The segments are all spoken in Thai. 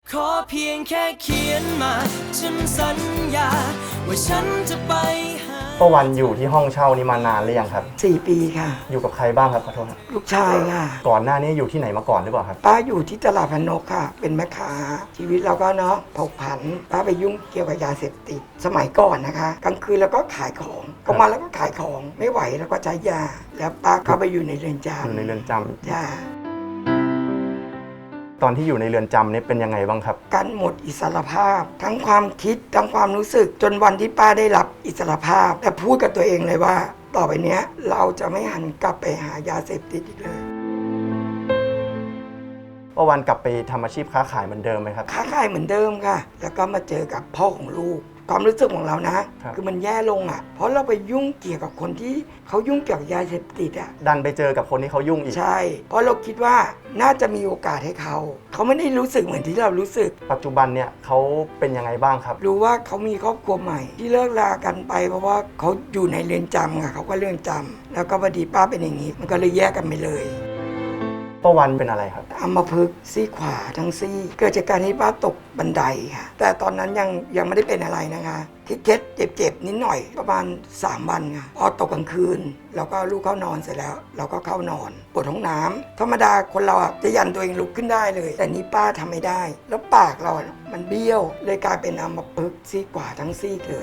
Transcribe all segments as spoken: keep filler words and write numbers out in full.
ขอเพียงแค่เขียนมาฉันสัญญาว่าฉันจะไปหาป้าวันอยู่ที่ห้องเช่านี้มานานหรือยังครับสี่ปีค่ะอยู่กับใครบ้างครับขอโทษครับลูกชายค่ะก่อนหน้านี้อยู่ที่ไหนมาก่อนหรือเปล่าครับป้าอยู่ที่ตลาดพนกค่ะเป็นแม่ค้าชีวิตเราก็เนาะผกผันป้าไปยุ่งเกี่ยวกับยาเสพติดสมัยก่อนนะคะกลางคืนแล้วก็ขายของกลางวันแล้วก็ขายของไม่ไหวแล้วก็ใช้ยาแล้วป้าเข้าไปอยู่ในเรือนจำอยู่ในเรือนจำจ้าตอนที่อยู่ในเรือนจำนี่เป็นยังไงบ้างครับการหมดอิสรภาพทั้งความคิดทั้งความรู้สึกจนวันที่ป้าได้รับอิสรภาพแต่พูดกับตัวเองเลยว่าต่อไปเนี้ยเราจะไม่หันกลับไปหายาเสพติดอีกเลยป้าวันกลับไปทำอาชีพค้าขายเหมือนเดิมไหมครับค้าขายเหมือนเดิมค่ะแล้วก็มาเจอกับพ่อของลูกความรู้สึกของเรานะคือมันแย่ลงอ่ะเพราะเราไปยุ่งเกี่ยวกับคนที่เขายุ่งเกี่ยวกับยาเสพติดอ่ะดันไปเจอกับคนที่เขายุ่งอีกใช่เพราะเราคิดว่าน่าจะมีโอกาสให้เขาเขาไม่ได้รู้สึกเหมือนที่เรารู้สึกปัจจุบันเนี่ยเขาเป็นยังไงบ้างครับรู้ว่าเขามีครอบครัวใหม่ที่เลิกลากันไปเพราะว่าเขาอยู่ในเรือนจำค่ะเขาก็เรือนจำแล้วก็พอดีป้าเป็นอย่างนี้มันก็เลยแยกกันไปเลยป้าวันเป็นอะไรครับอัมพฤกษ์ซี่ขวาทั้งซี่เกิดจากการที่ป้าตกบันไดค่ะแต่ตอนนั้นยังยังไม่ได้เป็นอะไรนะคะเคล็ดเจ็บๆนิดหน่อยประมาณสามวันค่ะพอตกกลางคืนเราก็ลูกเข้านอนเสร็จแล้วเราก็เข้านอนปวดท้องน้ำธรรมดาคนเราจะยันตัวเองลุกขึ้นได้เลยแต่นี้ป้าทำไม่ได้แล้วปากเรามันเบี้ยวเลยกลายเป็นอัมพฤกษ์ซี่ขวาทั้งซี่เลย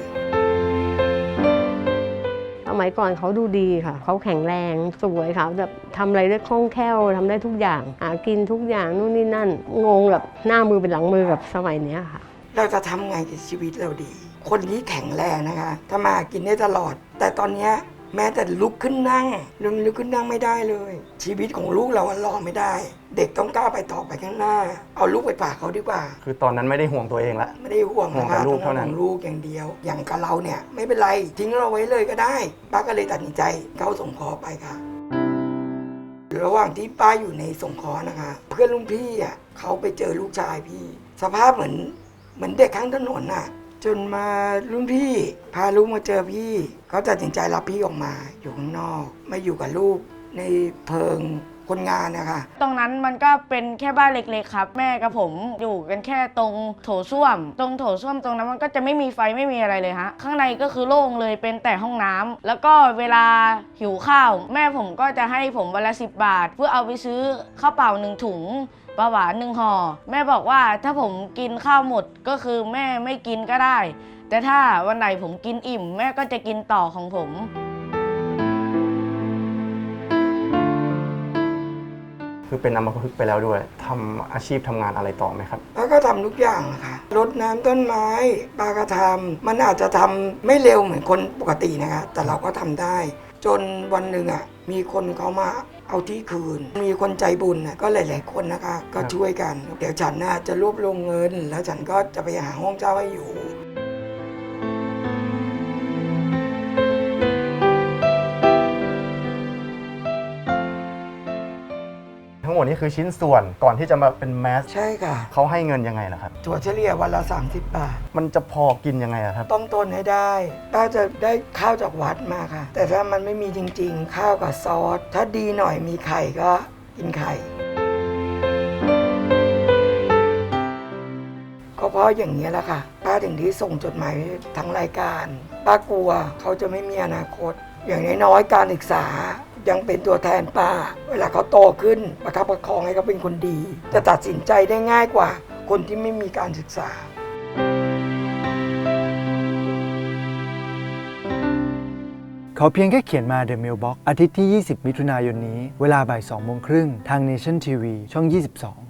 สมัยก่อนเขาดูดีค่ะเขาแข็งแรงสวยค่ะแบบทำอะไรได้คล่องแคล่วทำได้ทุกอย่างหากินทุกอย่างนู่นนี่นั่นงงแบบหน้ามือเป็นหลังมือกับสมัยนี้ค่ะเราจะทำไงกับชีวิตเราดีคนที่แข็งแรงนะคะถ้ามากินได้ตลอดแต่ตอนนี้แม้แต่ลุกขึ้นนั่งลุกลุกขึ้นนั่งไม่ได้เลยชีวิตของลูกเรารอไม่ได้เด็กต้องก้าวไปต่อไปข้างหน้าเอาลูกไปฝากเขาดีกว่าคือตอนนั้นไม่ได้ห่วงตัวเองละไม่ได้ห่วงห่วงแต่ลูกเท่านั้นลูกอย่างเดียวอย่างกับเราเนี่ยไม่เป็นไรทิ้งเราไว้เลยก็ได้ป้าก็เลยตัดสินใจเข้าสงเคราะห์ไปค่ะระหว่างที่ป้าอยู่ในสงเคราะห์นะคะเพื่อนรุ่นพี่อ่ะเขาไปเจอลูกชายพี่สภาพเหมือนเหมือนเด็กข้างถนนน่ะจนมารุ่นพี่พาลูกมาเจอพี่เขาตัดสินใจรับพี่ออกมาอยู่ข้างนอกไม่อยู่กับลูกในเพิงคนงานนะคะตรงนั้นมันก็เป็นแค่บ้านเล็กๆครับแม่กับผมอยู่กันแค่ตรงโถส้วมตรงโถส้วมตรงนั้นมันก็จะไม่มีไฟไม่มีอะไรเลยฮะข้างในก็คือโล่งเลยเป็นแต่ห้องน้ำแล้วก็เวลาหิวข้าวแม่ผมก็จะให้ผมวันละสิบบาทเพื่อเอาไปซื้อข้าวเปล่าหนึ่งถุงปลาหวานหนึ่งห่อแม่บอกว่าถ้าผมกินข้าวหมดก็คือแม่ไม่กินก็ได้แต่ถ้าวันไหนผมกินอิ่มแม่ก็จะกินต่อของผมคือเป็นอัมพฤกษ์ไปแล้วด้วยทำอาชีพทำงานอะไรต่อไหมครับป้าก็ทำทุกอย่างค่ะรดน้ำต้นไม้ป้าก็ทำมันอาจจะทำไม่เร็วเหมือนคนปกตินะคะแต่เราก็ทำได้จนวันหนึ่งอ่ะมีคนเขามาเอาที่คืนมีคนใจบุญนะก็หลายๆคนนะคะก็ช่วยกันเดี๋ยวฉันน่ะจะรวบรวมเงินแล้วฉันก็จะไปหาห้องเช่าให้อยู่ทั้งหมดนี้คือชิ้นส่วนก่อนที่จะมาเป็นแมสใช่ค่ะเขาให้เงินยังไงล่ะครับถั่วเฉลี่ยวันละสามสิบบาทมันจะพอกินยังไงครับต้องต้นให้ได้ป้าจะได้ข้าวจากวัดมาค่ะแต่ถ้ามันไม่มีจริงๆข้าวกับซอสถ้าดีหน่อยมีไข่ก็กินไข่ก็เพราะอย่างนี้แหละค่ะป้าถึงที่ส่งจดหมายทั้งรายการป้ากลัวเขาจะไม่มีอนาคตอย่างน้อยๆการศึกษายังเป็นตัวแทนป้าเวลาเขาโตขึ้นประคับประคองให้เขาเป็นคนดีจะตัดสินใจได้ง่ายกว่าคนที่ไม่มีการศึกษาขอเพียงแค่เขียนมา The Mailbox อาทิตย์ที่ยี่สิบมิถุนายนนี้เวลาบ่ายสองโมงครึ่งทาง Nation ที วี ช่องยี่สิบสอง